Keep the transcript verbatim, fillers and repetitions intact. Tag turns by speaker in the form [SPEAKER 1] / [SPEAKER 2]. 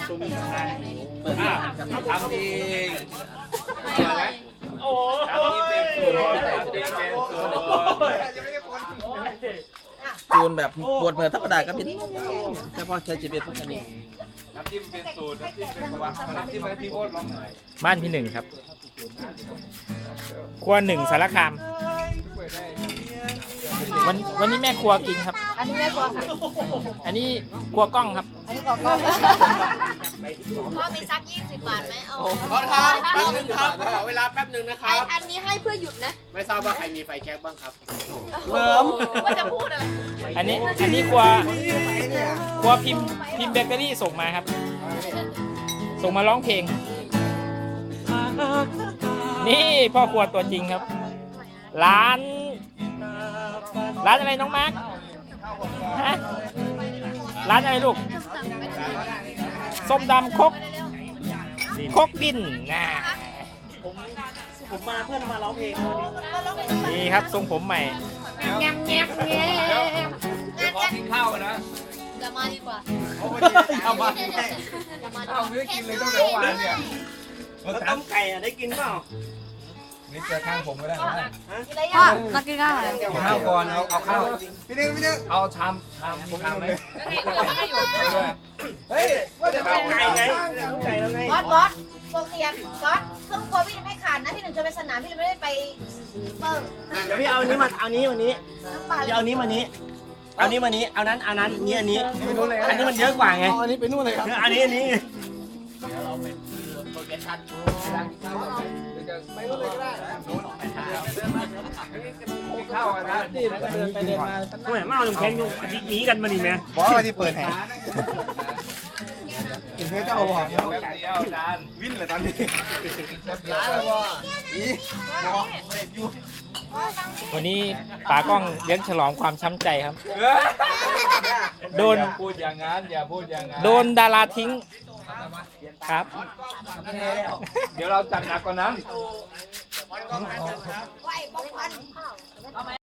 [SPEAKER 1] ทำเองโอ้จูนแบบปวดเหมือนธรรมดาก็เป็นเฉพาะใช้จีเบียพวกนี้น้ำจิ้มเป็นสูตรน้ำจิ้มเป็นตัวน้ำจิ้มอะไรพี่โอ๊ตลองหน่อย
[SPEAKER 2] บ้านพี่หนึ่งครับครัวหนึ่งสารคามวันวันนี้แม่ครัวกินครับ
[SPEAKER 3] อันนี้แม่ครัวค่ะ
[SPEAKER 2] อันนี้ครัวกล้องครับ
[SPEAKER 3] อันนี้ครัวกล้องพ่อมีซักยี่สิบบาทไหมเอา
[SPEAKER 1] ขอครับแป๊บนึงครับขอเวลาแป๊บนึงนะครับ
[SPEAKER 3] อันนี้ให้เพื่อหยุดนะ
[SPEAKER 1] ไม่ทราบว่าใครมีไฟแช็กบ้างครับ
[SPEAKER 3] เริ่มว่าจะพูดอะไร
[SPEAKER 2] อันนี้อันนี้ครัวครัวพิมพ์พิมพ์เบเกอรี่ส่งมาครับส่งมาร้องเพลงนี่พ่อครัวตัวจริงครับร้านร้านอะไรน้องมาร์คฮะร้านอะไรลูกส้มดำคกคกดินนะ
[SPEAKER 1] ผมผมมาเพื่อนมาร้องเพลง
[SPEAKER 2] นี่ครับทรงผมใหม่
[SPEAKER 3] แง่แง่แง่
[SPEAKER 1] เดี๋ยวขอกินข้าวนะ
[SPEAKER 3] จะมาดีกว่า
[SPEAKER 1] เอามาข้าวไม่ได้กินเลยตั้งแต่เมื่อวานเนี่ยต้มไก่ได้กินเปล่านี่เจอข้างผมก็ได้นะ
[SPEAKER 3] พ่อมากินข้าวอะไร
[SPEAKER 1] ข้าวก่อนเอาเอาข้าวพี่นึงพี่นึงเอาชามชามชามไหมเฮ้ยว่าจะเอาไก่ไงไก่แล้วไง
[SPEAKER 3] บอสบอสโปรเตียมบอสเครื่องครัวพี่ไม่ขาดนะพี่หนึ่งจะไปสนามพี่ไม่ได้ไปเปิด
[SPEAKER 4] เดี๋ยวพี่เอานี้มาเอานี้วันนี้พี่เอานี้มานี้เอานี้มานี้เอานั้นเอานั้นนี้อันนี้อันนี้มันเยอะกว่าไง
[SPEAKER 1] อันนี้ไปนู่นเลยครับ
[SPEAKER 4] อันนี้อันนี้
[SPEAKER 1] เราเป็นโปรเจกชันไปนู่นเลยก็ได้ข้าวนะเดินไปเดินมา
[SPEAKER 4] ทำไมมาเอาน้ำแข็งอยู่หนีกันมาดิแม่
[SPEAKER 1] บอกว่าที่เปิดแห่กินเพื่อเจ้าบอกเดียวจานวิ่งเลยตอนนี้ร้านแล้วว่าอีบอกอยู่
[SPEAKER 2] วันนี้ป๋ากล้องเลี้ยงฉลองความช้ำใจครับโดน
[SPEAKER 1] พูดอย่างนั้นอย่าพูดอย่างนั้น
[SPEAKER 2] โดนดาราทิ้งครับ
[SPEAKER 1] เดี๋ยวเราจัดหนักกว่านั้น